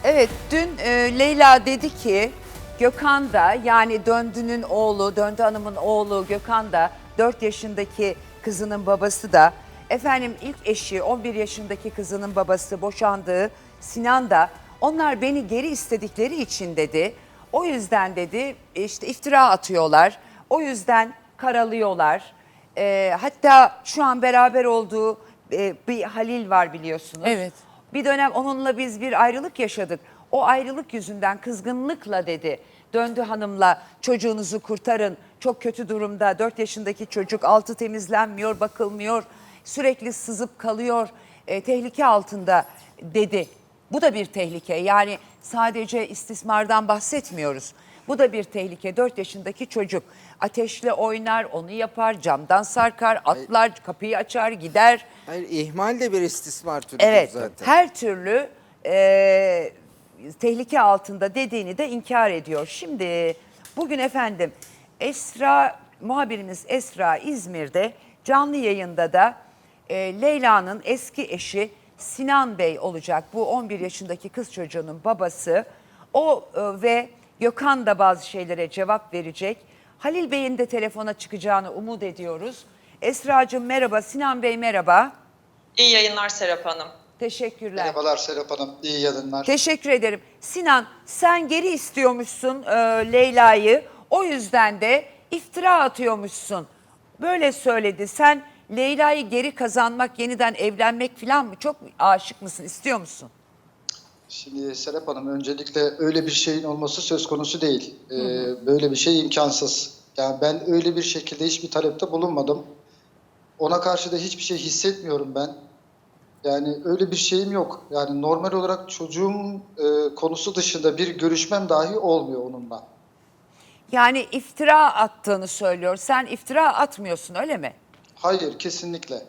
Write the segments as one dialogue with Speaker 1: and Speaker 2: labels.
Speaker 1: Evet, dün Leyla dedi ki Gökhan da, yani Döndü'nün oğlu, Döndü Hanım'ın oğlu Gökhan da, 4 yaşındaki kızının babası da, efendim ilk eşi 11 yaşındaki kızının babası, boşandığı Sinan da, onlar beni geri istedikleri için dedi. O yüzden dedi işte iftira atıyorlar. O yüzden karalıyorlar. Hatta şu an beraber olduğu bir Halil var biliyorsunuz.
Speaker 2: Evet.
Speaker 1: Bir dönem onunla biz bir ayrılık yaşadık. O ayrılık yüzünden kızgınlıkla dedi. Döndü Hanım'la çocuğunuzu kurtarın. Çok kötü durumda. 4 yaşındaki çocuk, altı temizlenmiyor, bakılmıyor. Sürekli sızıp kalıyor. Tehlike altında dedi. Bu da bir tehlike. Yani sadece istismardan bahsetmiyoruz. Bu da bir tehlike. 4 yaşındaki çocuk ateşle oynar, onu yapar, camdan sarkar, atlar, kapıyı açar, gider.
Speaker 3: Hayır, ihmal de bir istismar türüdür
Speaker 1: Evet,
Speaker 3: zaten.
Speaker 1: her türlü tehlike altında dediğini de inkar ediyor. Şimdi bugün efendim muhabirimiz Esra İzmir'de canlı yayında da Leyla'nın eski eşi Sinan Bey olacak. Bu 11 yaşındaki kız çocuğunun babası. O ve Gökhan da bazı şeylere cevap verecek. Halil Bey'in de telefona çıkacağını umut ediyoruz. Esra'cığım merhaba, Sinan Bey merhaba.
Speaker 4: İyi yayınlar Serap Hanım.
Speaker 1: Teşekkürler.
Speaker 5: Merhabalar Serap Hanım, iyi yayınlar.
Speaker 1: Teşekkür ederim. Sinan, sen geri istiyormuşsun Leyla'yı. O yüzden de iftira atıyormuşsun. Böyle söyledi. Sen Leyla'yı geri kazanmak, yeniden evlenmek falan mı? Çok aşık mısın, istiyor musun?
Speaker 5: Şimdi Serap Hanım, öncelikle öyle bir şeyin olması söz konusu değil. Böyle bir şey imkansız. Yani ben öyle bir şekilde hiçbir talepte bulunmadım. Ona karşı da hiçbir şey hissetmiyorum ben. Yani öyle bir şeyim yok. Yani normal olarak çocuğum konusu dışında bir görüşmem dahi olmuyor onunla.
Speaker 1: Yani iftira attığını söylüyor. Sen iftira atmıyorsun, öyle mi?
Speaker 5: Hayır, kesinlikle.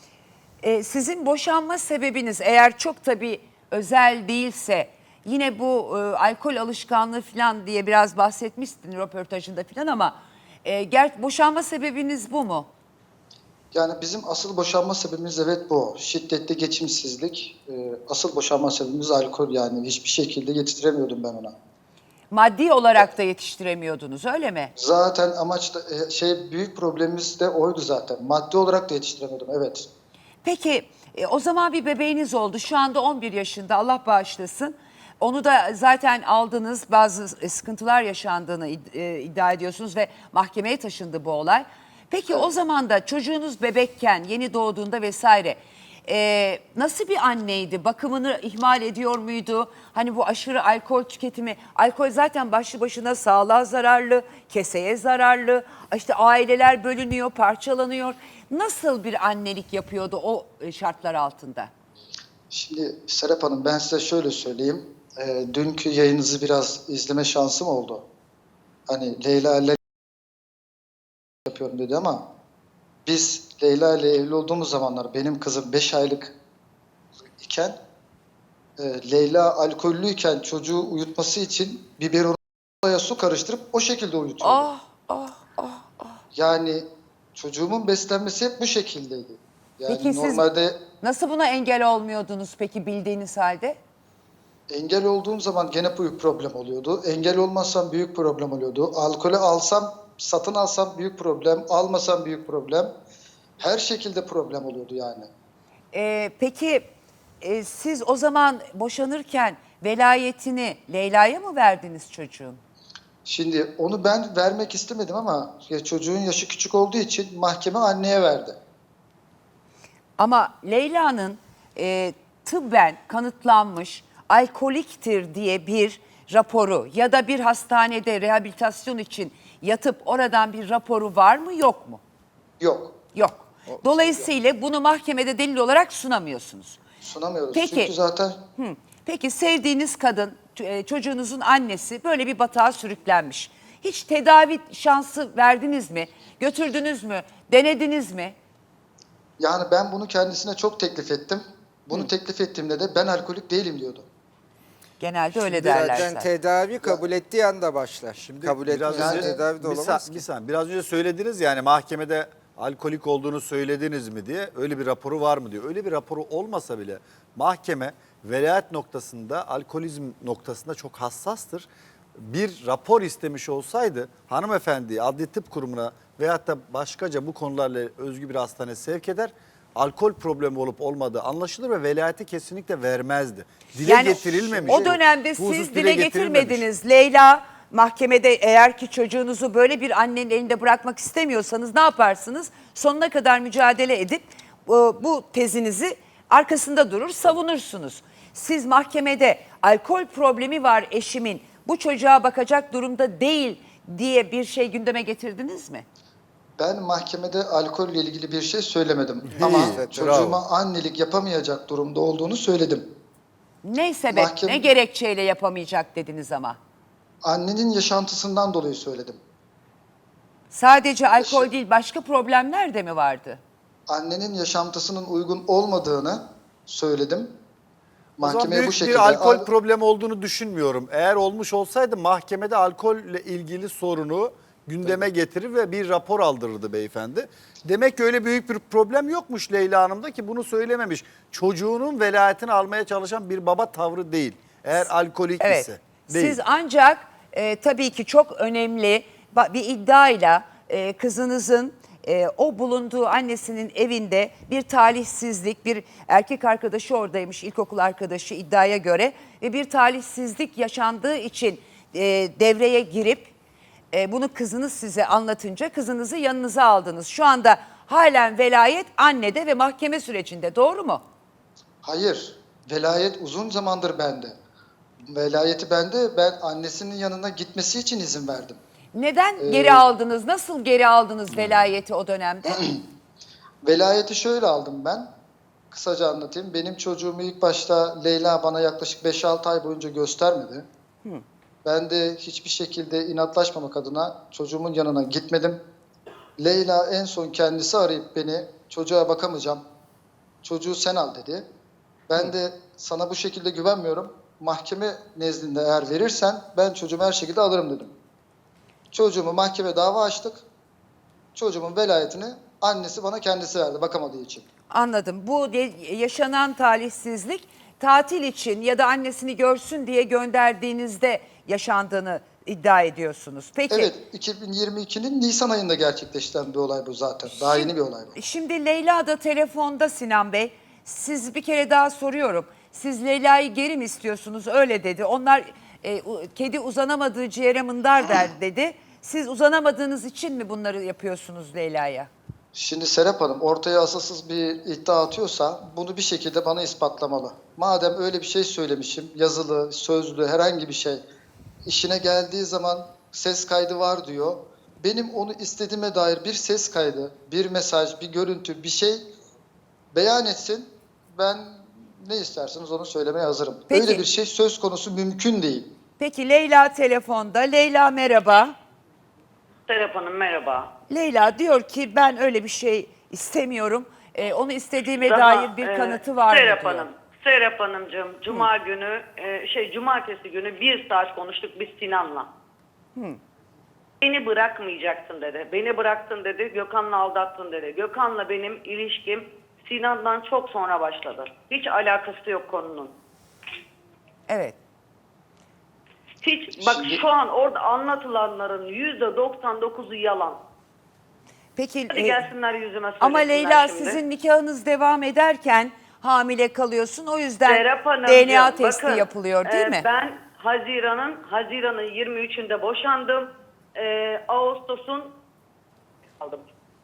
Speaker 1: Sizin boşanma sebebiniz eğer çok tabii özel değilse, yine bu alkol alışkanlığı falan diye biraz bahsetmiştin röportajında falan, ama boşanma sebebiniz bu mu?
Speaker 5: Yani bizim asıl boşanma sebebimiz evet bu. Şiddetli geçimsizlik. Asıl boşanma sebebimiz alkol, yani hiçbir şekilde yetiştiremiyordum ben ona.
Speaker 1: Maddi olarak da yetiştiremiyordunuz, öyle mi?
Speaker 5: Zaten amaç da büyük problemimiz de oydu zaten. Maddi olarak da yetiştiremiyordum, evet.
Speaker 1: Peki o zaman bir bebeğiniz oldu. Şu anda 11 yaşında, Allah bağışlasın. Onu da zaten aldınız, bazı sıkıntılar yaşandığını iddia ediyorsunuz ve mahkemeye taşındı bu olay. Peki o zaman da çocuğunuz bebekken, yeni doğduğunda vesaire nasıl bir anneydi? Bakımını ihmal ediyor muydu? Hani bu aşırı alkol tüketimi, alkol zaten başlı başına sağlığa zararlı, keseye zararlı. İşte aileler bölünüyor, parçalanıyor. Nasıl bir annelik yapıyordu o şartlar altında?
Speaker 5: Şimdi Serap Hanım, ben size şöyle söyleyeyim. Dünkü yayınınızı biraz izleme şansım oldu. Hani Leyla ile yapıyorum dedi ama biz Leyla ile evli olduğumuz zamanlar benim kızım 5 aylık iken Leyla alkollüyken çocuğu uyutması için biberona su karıştırıp o şekilde uyutuyordu. Yani çocuğumun beslenmesi hep bu şekildeydi. Yani
Speaker 1: Peki siz
Speaker 5: normalde
Speaker 1: nasıl buna engel olmuyordunuz peki, bildiğiniz halde?
Speaker 5: engel olduğum zaman gene büyük problem oluyordu. Engel olmazsam büyük problem oluyordu. Alkolü alsam, satın alsam büyük problem, almasam büyük problem. Her şekilde problem oluyordu yani.
Speaker 1: Peki siz o zaman boşanırken velayetini Leyla'ya mı verdiniz çocuğun?
Speaker 5: Şimdi onu ben vermek istemedim ama çocuğun yaşı küçük olduğu için mahkeme anneye verdi.
Speaker 1: Ama Leyla'nın tıbben kanıtlanmış alkoliktir diye bir raporu ya da bir hastanede rehabilitasyon için yatıp oradan bir raporu var mı, yok mu?
Speaker 5: Yok,
Speaker 1: Yok. Dolayısıyla bunu mahkemede delil olarak sunamıyorsunuz.
Speaker 5: sunamıyoruz.
Speaker 1: Peki.
Speaker 5: Çünkü zaten
Speaker 1: Peki sevdiğiniz kadın, çocuğunuzun annesi böyle bir batağa sürüklenmiş. Hiç tedavi şansı verdiniz mi? Götürdünüz mü? Denediniz mi?
Speaker 5: yani ben bunu kendisine çok teklif ettim. Bunu teklif ettiğimde de ben alkolik değilim diyordu.
Speaker 1: Genelde öyle derler
Speaker 3: Zaten
Speaker 1: zaten.
Speaker 3: tedavi kabul ettiği anda başlar.
Speaker 6: Şimdi
Speaker 3: Kabul
Speaker 6: biraz
Speaker 3: etmezse
Speaker 6: önce
Speaker 3: tedavi de olamaz ki.
Speaker 6: biraz önce söylediniz yani mahkemede alkolik olduğunu söylediniz mi diye, öyle bir raporu var mı diyor. Öyle bir raporu olmasa bile mahkeme velayet noktasında, alkolizm noktasında çok hassastır. Bir rapor istemiş olsaydı hanımefendiyi Adli Tıp Kurumu'na veyahut da başkaca bu konularla özgü bir hastaneye sevk eder. Alkol problemi olup olmadığı anlaşılır ve velayeti kesinlikle vermezdi. Dile getirilmemiş.
Speaker 1: O dönemde
Speaker 6: Bu husus
Speaker 1: siz dile
Speaker 6: getirilmemiş.
Speaker 1: getirmediniz. Leyla mahkemede eğer ki çocuğunuzu böyle bir annenin elinde bırakmak istemiyorsanız ne yaparsınız? Sonuna kadar mücadele edip bu tezinizi arkasında durur, savunursunuz. Siz mahkemede alkol problemi var eşimin, bu çocuğa bakacak durumda değil diye bir şey gündeme getirdiniz mi?
Speaker 5: Ben mahkemede alkolle ilgili bir şey söylemedim. Ama
Speaker 6: Evet,
Speaker 5: çocuğuma
Speaker 6: bravo.
Speaker 5: annelik yapamayacak durumda olduğunu söyledim.
Speaker 1: Ne sebep,
Speaker 5: Mahkeme-
Speaker 1: ne gerekçeyle yapamayacak dediniz ama.
Speaker 5: Annenin yaşantısından dolayı söyledim.
Speaker 1: Sadece alkol değil, başka problemler de mi vardı?
Speaker 5: Annenin yaşantısının uygun olmadığını söyledim.
Speaker 6: O zaman
Speaker 5: Mahkemeye
Speaker 6: büyük
Speaker 5: bu şekilde...
Speaker 6: bir alkol problemi olduğunu düşünmüyorum. Eğer olmuş olsaydı mahkemede alkolle ilgili sorunu gündeme getirir ve bir rapor aldırırdı beyefendi. Demek ki öyle büyük bir problem yokmuş Leyla Hanım'da ki bunu söylememiş. Çocuğunun velayetini almaya çalışan bir baba tavrı değil. Eğer alkolik
Speaker 1: Evet.
Speaker 6: ise değil.
Speaker 1: Siz ancak tabii ki çok önemli bir iddiayla kızınızın o bulunduğu annesinin evinde bir talihsizlik, bir erkek arkadaşı oradaymış, ilkokul arkadaşı iddiaya göre ve bir talihsizlik yaşandığı için devreye girip bunu kızınız size anlatınca kızınızı yanınıza aldınız. Şu anda halen velayet annede ve mahkeme sürecinde, doğru mu?
Speaker 5: Hayır, velayet uzun zamandır bende. Velayeti bende, ben annesinin yanına gitmesi için izin verdim.
Speaker 1: Neden geri aldınız? Nasıl geri aldınız velayeti o dönemde?
Speaker 5: Velayeti şöyle aldım ben. Kısaca anlatayım. Benim çocuğumu ilk başta Leyla bana yaklaşık 5-6 ay boyunca göstermedi. Ben de hiçbir şekilde inatlaşmamak adına çocuğumun yanına gitmedim. Leyla en son kendisi arayıp beni, çocuğa bakamayacağım, çocuğu sen al dedi. Ben de sana bu şekilde güvenmiyorum. Mahkeme nezdinde eğer verirsen ben çocuğumu her şekilde alırım dedim. Çocuğumu mahkeme dava açtık. Çocuğumun velayetini annesi bana kendisi verdi bakamadığı için.
Speaker 1: Anladım. Bu yaşanan talihsizlik tatil için ya da annesini görsün diye gönderdiğinizde yaşandığını iddia ediyorsunuz. Peki.
Speaker 5: Evet, 2022'nin Nisan ayında gerçekleşen bir olay bu zaten. Daha yeni bir olay bu.
Speaker 1: Şimdi Leyla da telefonda Sinan Bey. Siz bir kere daha soruyorum. Siz Leyla'yı geri mi istiyorsunuz? Öyle dedi. Onlar kedi uzanamadığı ciğere mındar der dedi. Siz uzanamadığınız için mi bunları yapıyorsunuz Leyla'ya?
Speaker 5: Şimdi Serap Hanım ortaya asılsız bir iddia atıyorsa bunu bir şekilde bana ispatlamalı. Madem öyle bir şey söylemişim, yazılı, sözlü herhangi bir şey, işine geldiği zaman ses kaydı var diyor. Benim onu istediğime dair bir ses kaydı, bir mesaj, bir görüntü, bir şey beyan etsin. Ben ne isterseniz onu söylemeye hazırım.
Speaker 1: Peki.
Speaker 5: Öyle bir şey söz konusu mümkün değil.
Speaker 1: Peki Leyla telefonda. Leyla merhaba.
Speaker 2: Serap Hanım merhaba.
Speaker 1: Leyla diyor ki ben öyle bir şey istemiyorum. Onu istediğime
Speaker 2: Daha,
Speaker 1: dair bir kanıtı var mı
Speaker 2: Serap
Speaker 1: diyor.
Speaker 2: Hanım, Serap Hanımcığım cuma günü cumartesi günü 1 saat konuştuk biz Sinan'la. Beni bırakmayacaksın dedi. Beni bıraktın dedi. Gökhan'la aldattın dedi. Gökhan'la benim ilişkim Sinan'dan çok sonra başladı. Hiç alakası yok konunun.
Speaker 1: Evet.
Speaker 2: Hiç bak
Speaker 5: Şimdi-
Speaker 2: şu an orada anlatılanların %99'u yalan.
Speaker 1: Peki
Speaker 2: Hadi gelsinler yüzüme söylesinler
Speaker 1: ama Leyla
Speaker 2: şimdi.
Speaker 1: sizin nikahınız devam ederken hamile kalıyorsun. O yüzden
Speaker 2: Serap Hanımcığım,
Speaker 1: DNA testi
Speaker 2: bakın,
Speaker 1: yapılıyor değil mi?
Speaker 2: Ben Haziran'ın 23'ünde boşandım. Ağustos'un aldım.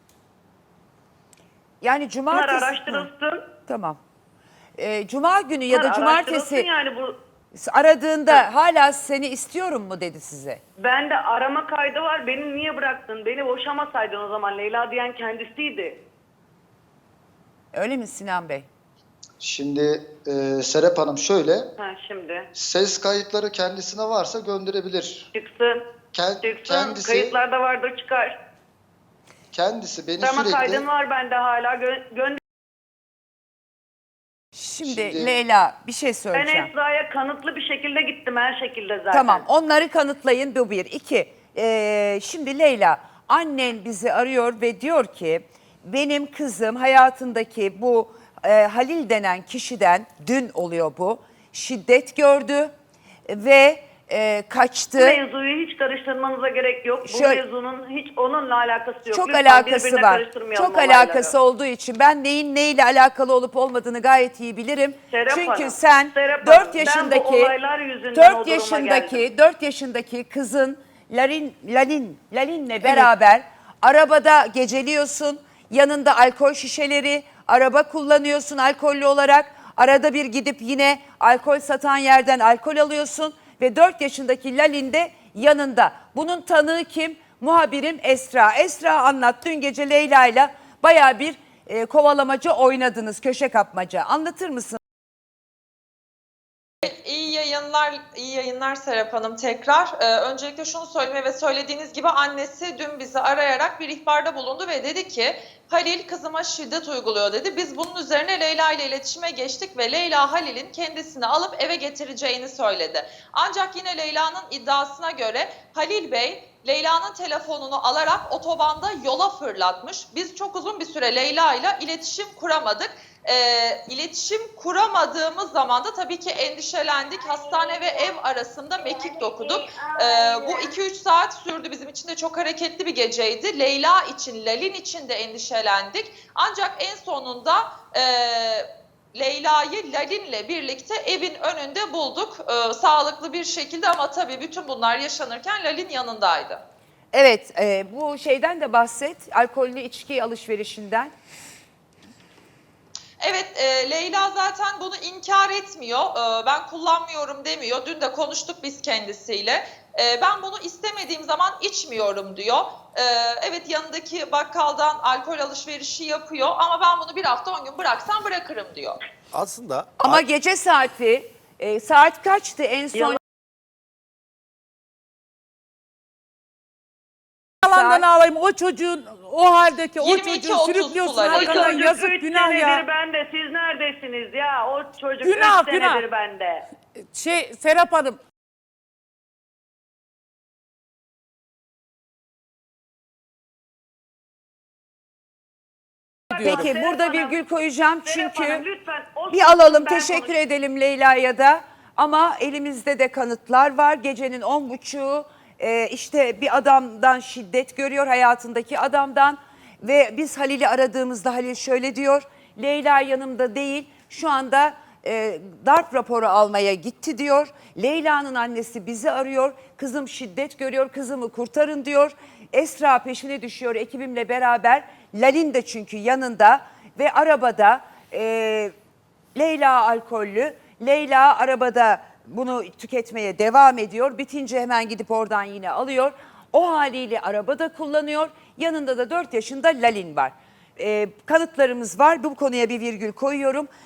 Speaker 1: Yani
Speaker 2: Bunlar
Speaker 1: cumartesi...
Speaker 2: araştırılsın.
Speaker 1: Hı, tamam. Cuma günü ya da
Speaker 2: Bunlar araştırılsın
Speaker 1: cumartesi
Speaker 2: yani bu
Speaker 1: aradığında hala seni istiyorum mu dedi size?
Speaker 2: bende arama kaydı var. Beni niye bıraktın? Beni boşamasaydın o zaman Leyla diyen kendisiydi.
Speaker 1: Öyle mi Sinan Bey?
Speaker 5: Şimdi Serap Hanım şöyle,
Speaker 2: Ha şimdi
Speaker 5: ses kayıtları kendisine varsa gönderebilir.
Speaker 2: çıksın. Çıksın.
Speaker 5: Kendisi,
Speaker 2: Kayıtlarda vardır çıkar.
Speaker 5: kendisi beni
Speaker 2: Arama
Speaker 5: sürekli...
Speaker 2: kaydın var bende hala. Gönder.
Speaker 1: Şimdi Leyla bir şey
Speaker 2: Ben
Speaker 1: söyleyeceğim.
Speaker 2: Esra'ya kanıtlı bir şekilde gittim her şekilde zaten.
Speaker 1: Tamam, onları kanıtlayın, bu bir. İki, şimdi Leyla, annen bizi arıyor ve diyor ki benim kızım hayatındaki bu Halil denen kişiden, dün oluyor bu, şiddet gördü ve kaçtı.
Speaker 2: Bu mevzuyu hiç karıştırmanıza gerek yok. Bu
Speaker 1: Şöyle-
Speaker 2: mevzunun hiç onunla alakası yok.
Speaker 1: Çok
Speaker 2: Lütfen
Speaker 1: alakası
Speaker 2: birbirine
Speaker 1: var.
Speaker 2: karıştırmayalım
Speaker 1: Çok
Speaker 2: olayları.
Speaker 1: alakası olduğu için ben neyin neyle alakalı olup olmadığını gayet iyi bilirim.
Speaker 2: Serap
Speaker 1: Çünkü
Speaker 2: Hanım,
Speaker 1: sen
Speaker 2: Serap
Speaker 1: 4
Speaker 2: Hanım, ben bu
Speaker 1: yaşındaki
Speaker 2: olaylar yüzünden o
Speaker 1: 4
Speaker 2: duruma
Speaker 1: yaşındaki 4 yaşındaki kızın Lalin'le beraber arabada geceliyorsun. Yanında alkol şişeleri, araba kullanıyorsun alkollü olarak. Arada bir gidip yine alkol satan yerden alkol alıyorsun ve 4 yaşındaki Lalin de yanında. Bunun tanığı kim? Muhabirim Esra. Esra anlat, dün gece Leyla'yla bayağı bir kovalamaca oynadınız, köşe kapmaca. Anlatır mısın?
Speaker 4: İyi yayınlar Serap Hanım tekrar. Öncelikle şunu söyleyeyim ve söylediğiniz gibi annesi dün bizi arayarak bir ihbarda bulundu ve dedi ki Halil kızıma şiddet uyguluyor dedi. Biz bunun üzerine Leyla ile iletişime geçtik ve Leyla Halil'in kendisini alıp eve getireceğini söyledi. Ancak yine Leyla'nın iddiasına göre Halil Bey Leyla'nın telefonunu alarak otobanda yola fırlatmış. Biz çok uzun bir süre Leyla ile iletişim kuramadık. İletişim kuramadığımız zaman da tabii ki endişelendik. Hastane ve ev arasında mekik dokuduk. Bu 2-3 saat sürdü. Bizim için de çok hareketli bir geceydi. Leyla için, Lalin için de endişelendik. Ancak en sonunda Leyla'yı Lalin'le birlikte evin önünde bulduk. Sağlıklı bir şekilde ama tabii bütün bunlar yaşanırken Lalin yanındaydı.
Speaker 1: Evet, bu şeyden de bahset, alkollü içki alışverişinden.
Speaker 4: Evet, Leyla zaten bunu inkar etmiyor. Ben kullanmıyorum demiyor. Dün de konuştuk biz kendisiyle. Ben bunu istemediğim zaman içmiyorum diyor. Evet, yanındaki bakkaldan alkol alışverişi yapıyor ama ben bunu bir hafta 10 gün bıraksam bırakırım diyor.
Speaker 6: Aslında
Speaker 1: Ama gece saati, saat kaçtı en son?
Speaker 2: Yalan.
Speaker 7: Yalandan ağlayayım o çocuğun o haldeki o
Speaker 4: 22-30
Speaker 7: çocuğu sürüklüyorsun
Speaker 4: suları.
Speaker 2: O
Speaker 7: arkadan
Speaker 2: çocuk
Speaker 7: yazık
Speaker 2: 3
Speaker 7: günah
Speaker 2: senedir
Speaker 7: ya.
Speaker 2: bende. Siz neredesiniz ya? O çocuk 3
Speaker 7: Günah,
Speaker 2: senedir
Speaker 7: günah.
Speaker 2: bende.
Speaker 7: Serap Hanım diyorum.
Speaker 1: Peki burada virgül koyacağım
Speaker 2: Serap
Speaker 1: çünkü
Speaker 2: Hanım, lütfen o
Speaker 1: bir alalım,
Speaker 2: ben
Speaker 1: teşekkür
Speaker 2: konuş-
Speaker 1: edelim Leyla'ya da. Ama elimizde de kanıtlar var. Gecenin 10.30'u işte bir adamdan şiddet görüyor, hayatındaki adamdan. Ve biz Halil'i aradığımızda Halil şöyle diyor: Leyla yanımda değil, şu anda darp raporu almaya gitti diyor. Leyla'nın annesi bizi arıyor, kızım şiddet görüyor, kızımı kurtarın diyor. Esra peşine düşüyor ekibimle beraber. Lalin de çünkü yanında ve arabada Leyla alkollü. Leyla arabada bunu tüketmeye devam ediyor. Bitince hemen gidip oradan yine alıyor. O haliyle arabada kullanıyor. Yanında da 4 yaşında Lalin var. Kanıtlarımız var. Bu konuya bir virgül koyuyorum.